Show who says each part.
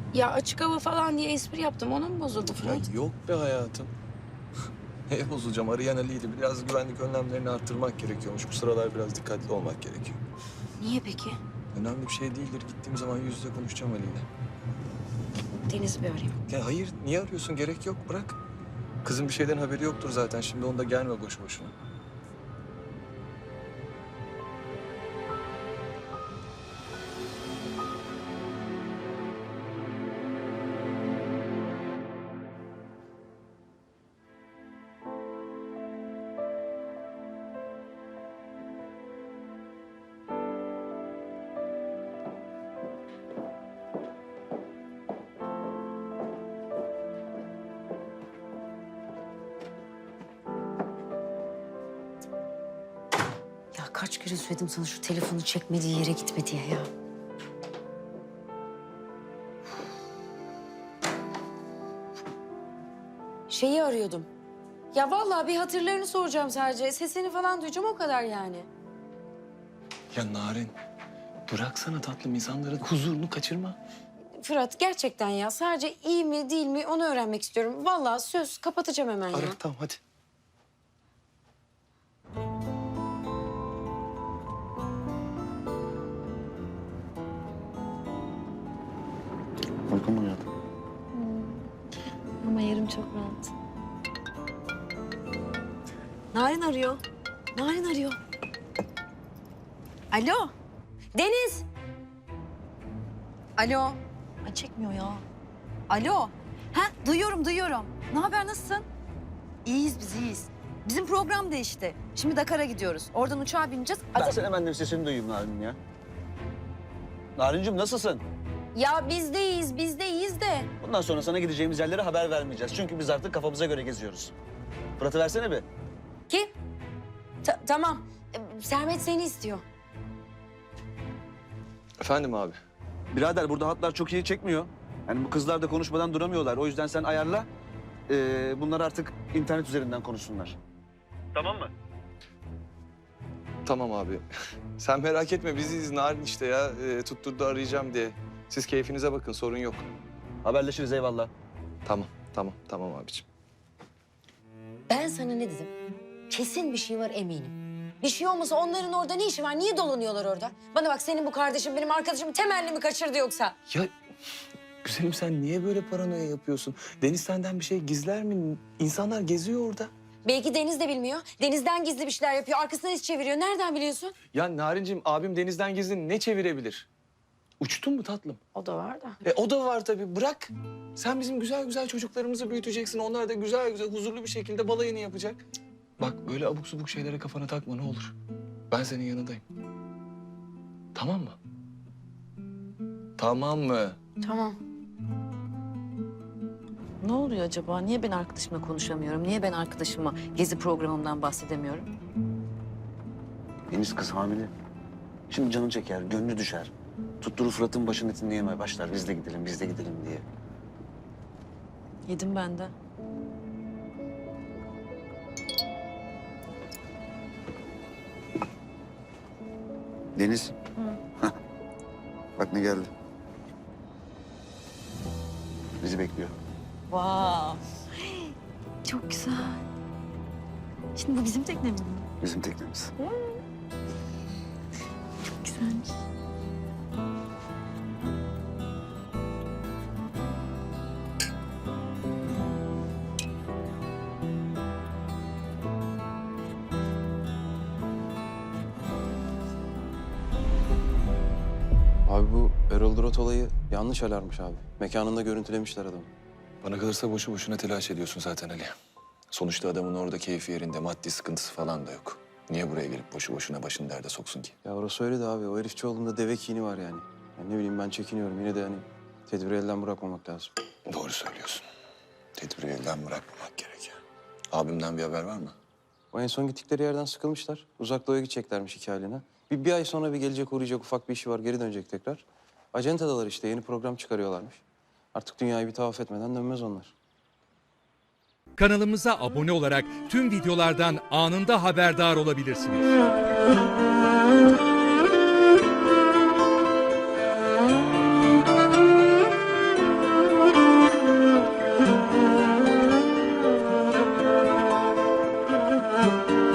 Speaker 1: Ya açık hava falan diye espri yaptım. Ona mı bozuldu
Speaker 2: Ya
Speaker 1: Fırat?
Speaker 2: yok be hayatım. Neye bozacağım? Arayan Ali'ydi. Biraz güvenlik önlemlerini arttırmak gerekiyormuş. Bu sıralar biraz dikkatli olmak gerekiyor.
Speaker 1: Niye peki?
Speaker 2: Önemli bir şey değildir. Gittiğim zaman yüz yüze konuşacağım Ali'yle.
Speaker 1: Deniz'i bir arayayım.
Speaker 2: Ya hayır, niye arıyorsun? Gerek yok. Bırak. Kızın bir şeyden haberi yoktur zaten. Şimdi onda gelme boşu boşuna.
Speaker 3: Ya kaç kere söyledim sana şu telefonu çekmediği yere gitme diye ya. Şeyi arıyordum. Ya vallahi bir hatırlarını soracağım sadece. Sesini falan duyacağım o kadar yani.
Speaker 2: Ya Narin, bıraksana tatlım insanların huzurunu kaçırma.
Speaker 3: Fırat gerçekten ya sadece iyi mi değil mi onu öğrenmek istiyorum. Vallahi söz kapatacağım hemen ya.
Speaker 2: Ara tamam hadi.
Speaker 4: Uykum mu geldi?
Speaker 3: Ama yerim çok rahat. Narin arıyor. Narin arıyor. Alo. Deniz. Alo.
Speaker 5: Ay çekmiyor ya. Alo. Ha duyuyorum duyuyorum. Ne haber nasılsın? İyiyiz biz iyiyiz. Bizim program değişti. Şimdi Dakar'a gidiyoruz. Oradan uçağa bineceğiz.
Speaker 4: Versene ben de bir sesini duyayım Narin'in ya. Narincim nasılsın?
Speaker 3: Ya bizdeyiz de.
Speaker 4: Bundan sonra sana gideceğimiz yerlere haber vermeyeceğiz. Çünkü biz artık kafamıza göre geziyoruz. Fırat'ı versene bir.
Speaker 3: Kim? Tamam. Sermet seni istiyor.
Speaker 2: Efendim abi.
Speaker 4: Birader burada hatlar çok iyi çekmiyor. Yani bu kızlar da konuşmadan duramıyorlar. O yüzden sen ayarla. Bunlar artık internet üzerinden konuşsunlar. Tamam mı?
Speaker 2: Tamam abi. Sen merak etme biziz Narin işte ya. Tutturdu arayacağım diye. Siz keyfinize bakın sorun yok.
Speaker 4: Haberleşiriz eyvallah.
Speaker 2: Tamam abiciğim.
Speaker 3: Ben sana ne dedim? Kesin bir şey var eminim. Bir şey olmasa onların orada ne işi var? Niye dolanıyorlar orada? Bana bak senin bu kardeşin benim arkadaşımı temelli mi kaçırdı yoksa?
Speaker 2: Ya güzelim sen niye böyle paranoya yapıyorsun? Deniz senden bir şey gizler mi? İnsanlar geziyor orada.
Speaker 3: Belki Deniz de bilmiyor. Deniz'den gizli bir şeyler yapıyor. Arkasından iş çeviriyor. Nereden biliyorsun?
Speaker 2: Ya Narinciğim abim Deniz'den gizli ne çevirebilir? Uçtun mu tatlım?
Speaker 3: O da var da.
Speaker 2: O da var tabii bırak. Sen bizim güzel güzel çocuklarımızı büyüteceksin. Onlar da güzel güzel huzurlu bir şekilde balayını yapacak. Cık. Bak böyle abuk subuk şeylere kafana takma ne olur. Ben senin yanındayım. Tamam mı? Tamam mı?
Speaker 3: Tamam.
Speaker 5: Ne oluyor acaba? Niye ben arkadaşımla konuşamıyorum? Niye ben arkadaşıma gezi programımdan bahsedemiyorum?
Speaker 4: Deniz kız hamile. Şimdi canı çeker, gönlü düşer. Tutturur Fırat'ın başını etini yemeye başlar. Biz de gidelim diye.
Speaker 5: Yedim ben de.
Speaker 4: Deniz. Hah. Bak ne geldi. Bizi bekliyor.
Speaker 5: Vav. Çok güzel. Şimdi bu bizim teknemiz mi?
Speaker 4: Bizim teknemiz.
Speaker 5: Çok güzelmiş.
Speaker 6: Abi bu Erol Durat olayı yanlış alarmış abi. Mekanında görüntülemişler adamı.
Speaker 2: Bana kalırsa boşu boşuna telaş ediyorsun zaten Ali. Sonuçta adamın orada keyfi yerinde, maddi sıkıntısı falan da yok. Niye buraya gelip boşu boşuna başını derde soksun ki?
Speaker 6: Ya orası öyle de abi. O herif Çoğlu'nda deve kini var yani. Ya ne bileyim ben çekiniyorum. Yine de hani tedbiri elden bırakmamak lazım.
Speaker 2: Doğru söylüyorsun. Tedbiri elden bırakmamak gerekiyor. Abimden bir haber var mı?
Speaker 6: O en son gittikleri yerden sıkılmışlar. Uzak Doğu'ya gideceklermiş 2 aylığına. Bir ay sonra bir gelecek uğrayacak ufak bir işi var. Geri dönecek tekrar. Acentadalar işte. Yeni program çıkarıyorlarmış. Artık dünyayı bir tavaf etmeden dönmez onlar.
Speaker 7: Kanalımıza abone olarak tüm videolardan anında haberdar olabilirsiniz.
Speaker 8: Müzik